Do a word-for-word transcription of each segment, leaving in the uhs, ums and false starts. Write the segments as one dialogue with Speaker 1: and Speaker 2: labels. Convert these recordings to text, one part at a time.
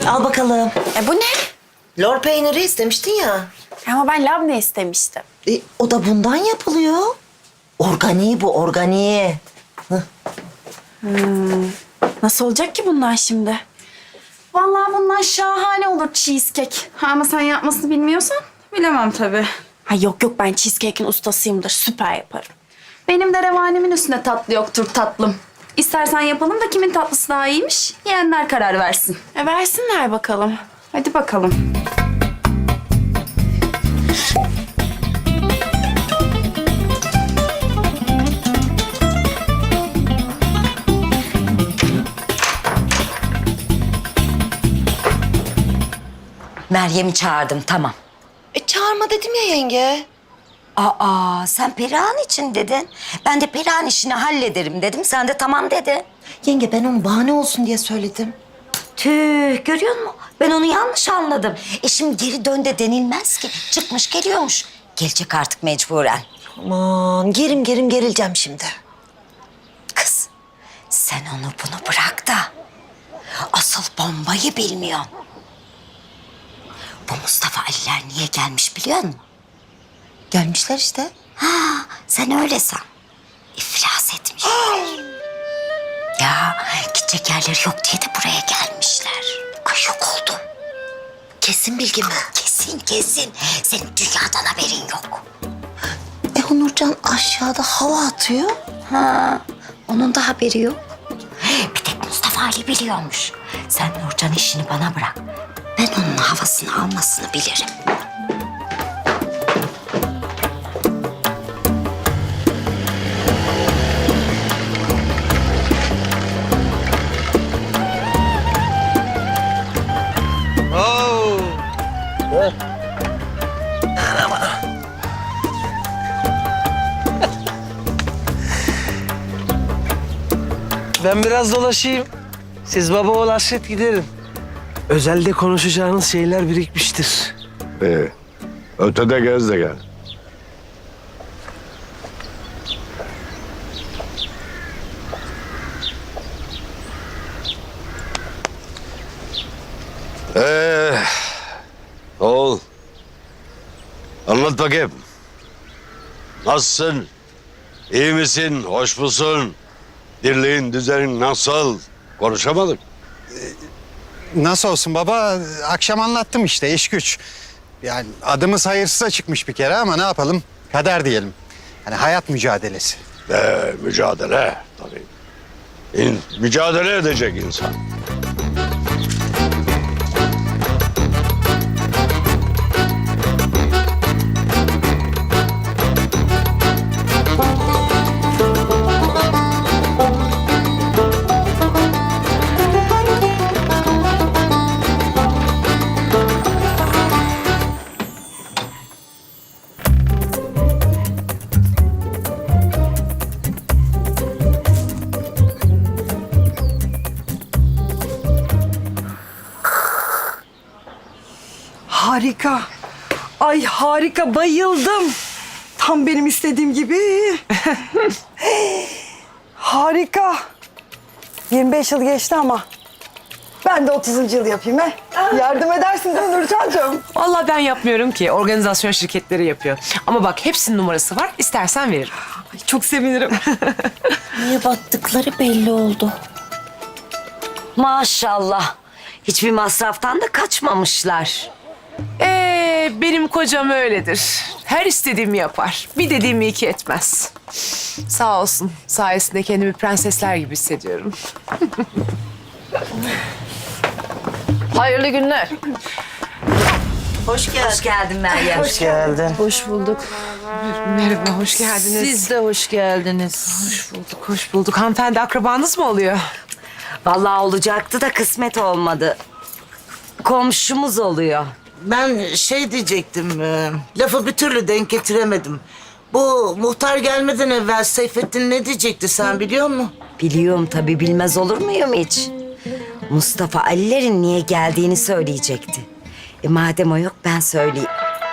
Speaker 1: Al bakalım.
Speaker 2: E bu ne?
Speaker 1: Lor peyniri istemiştin ya.
Speaker 2: Ama ben labne istemiştim.
Speaker 1: E, o da bundan yapılıyor. Organiği bu, organiği.
Speaker 2: Nasıl olacak ki bundan şimdi? Vallahi bundan şahane olur cheesecake. Ha, ama sen yapmasını bilmiyorsan bilemem tabii. Ha yok yok, ben cheesecake'in ustasıyımdır. Süper yaparım. Benim de revanimin üstünde tatlı yoktur tatlım. İstersen yapalım da kimin tatlısı daha iyiymiş, yiyenler karar versin. E versinler bakalım. Hadi bakalım.
Speaker 3: Meryem'i çağırdım, tamam.
Speaker 1: E çağırma dedim ya yenge.
Speaker 3: Aa, sen Perihan için dedin. Ben de Perihan işini hallederim dedim. Sen de tamam dedin.
Speaker 1: Yenge ben onu bahane olsun diye söyledim.
Speaker 3: Tüh, görüyor musun? Ben onu yanlış anladım. E şimdi geri dön de denilmez ki. Çıkmış geliyormuş. Gelecek artık mecburen.
Speaker 1: Aman gerim gerim gerileceğim şimdi.
Speaker 3: Kız, sen onu bunu bırak da asıl bombayı bilmiyorsun. Bu Mustafa Aliler niye gelmiş biliyor musun?
Speaker 1: Gelmişler işte.
Speaker 3: Ha, sen öyle san. İflas etmişler. Ya gidecek yerleri yok diye de buraya gelmişler. Ay yok oldum.
Speaker 1: Kesin bilgi mi?
Speaker 3: Kesin kesin. Senin dünyadan haberin yok.
Speaker 1: E o Nurcan aşağıda hava atıyor.
Speaker 3: Ha, onun da haberi yok. Bir tek Mustafa Ali biliyormuş. Sen Nurcan işini bana bırak. Ben onun havasını almasını bilirim.
Speaker 4: Oo. Ben biraz dolaşayım. Siz baba oğul hasret giderin. Özelde konuşacağınız şeyler birikmiştir.
Speaker 5: Ee, ötede gez de gel. Ee, oğul. Anlat bakayım. Nasılsın? İyi misin? Hoş musun? Dirliğin, düzenin nasıl? Konuşamadık.
Speaker 6: Nasıl olsun baba? Akşam anlattım işte, iş güç. Yani adımız hayırsıza çıkmış bir kere ama ne yapalım? Kader diyelim. Hani hayat mücadelesi.
Speaker 5: Ee, mücadele tabii. İn, mücadele edecek insan.
Speaker 7: Harika. Ay harika, bayıldım. Tam benim istediğim gibi. Harika. yirmi beş yıl geçti ama ben de otuzuncu yıl yapayım he. Yardım edersin değil mi Nurcan'cığım?
Speaker 8: Vallahi ben yapmıyorum ki. Organizasyon şirketleri yapıyor. Ama bak hepsinin numarası var. İstersen veririm.
Speaker 7: Ay, çok sevinirim.
Speaker 1: Niye battıkları belli oldu.
Speaker 3: Maşallah. Hiçbir masraftan da kaçmamışlar.
Speaker 8: Ee, benim kocam öyledir. Her istediğimi yapar. Bir dediğimi iki etmez. Sağ olsun. Sayesinde kendimi prensesler gibi hissediyorum. Hayırlı günler.
Speaker 3: Hoş geldin. Hoş geldin Meryem.
Speaker 4: Hoş geldin.
Speaker 9: Hoş bulduk.
Speaker 8: Merhaba, hoş geldiniz.
Speaker 9: Siz de hoş geldiniz.
Speaker 8: Hoş bulduk, hoş bulduk. Hanımefendi akrabanız mı oluyor?
Speaker 3: Vallahi olacaktı da kısmet olmadı. Komşumuz oluyor.
Speaker 9: Ben şey diyecektim, e, lafı bir türlü denk getiremedim. Bu muhtar gelmeden evvel Seyfettin ne diyecekti sen biliyor musun?
Speaker 3: Biliyorum tabii, bilmez olur muyum hiç? Mustafa Alilerin niye geldiğini söyleyecekti. E madem o yok ben söyleyeyim.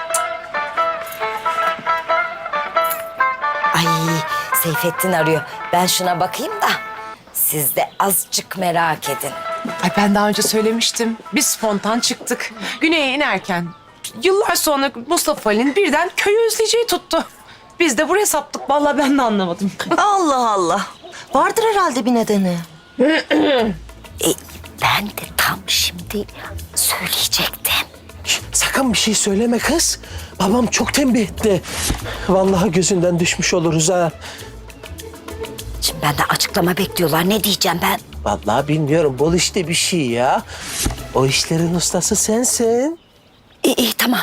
Speaker 3: Ay Seyfettin arıyor. Ben şuna bakayım da siz de azıcık merak edin.
Speaker 8: Ay ben daha önce söylemiştim. Biz spontan çıktık. Güney'e inerken yıllar sonra Mustafa Ali'nin birden köyü özleyeceği tuttu. Biz de buraya saptık. Vallahi ben de anlamadım.
Speaker 1: Allah Allah. Vardır herhalde bir nedeni.
Speaker 3: E, ben de tam şimdi söyleyecektim.
Speaker 4: Sakın bir şey söyleme kız. Babam çok tembih etti. Vallahi gözünden düşmüş oluruz ha.
Speaker 3: Şimdi benden açıklama bekliyorlar. Ne diyeceğim ben?
Speaker 4: Vallahi bilmiyorum. Bol işte bir şey ya. O işlerin ustası sensin.
Speaker 3: İyi, iyi tamam.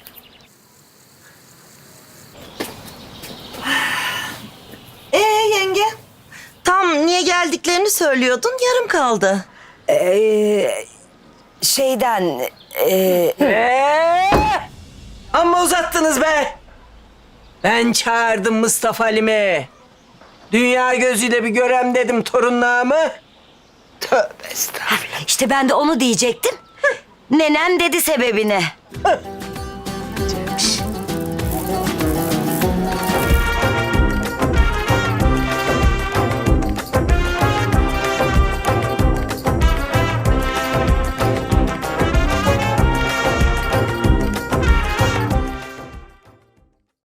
Speaker 1: Ee yenge? Tam niye geldiklerini söylüyordun, yarım kaldı.
Speaker 3: Ee, şeyden... E,
Speaker 10: Ee, amma uzattınız be. Ben çağırdım Mustafa Halim'i. Dünya gözüyle bir görem dedim torunluğumu. Tövbe estağfurullah.
Speaker 3: işte ben de onu diyecektim. Nenem dedi sebebini.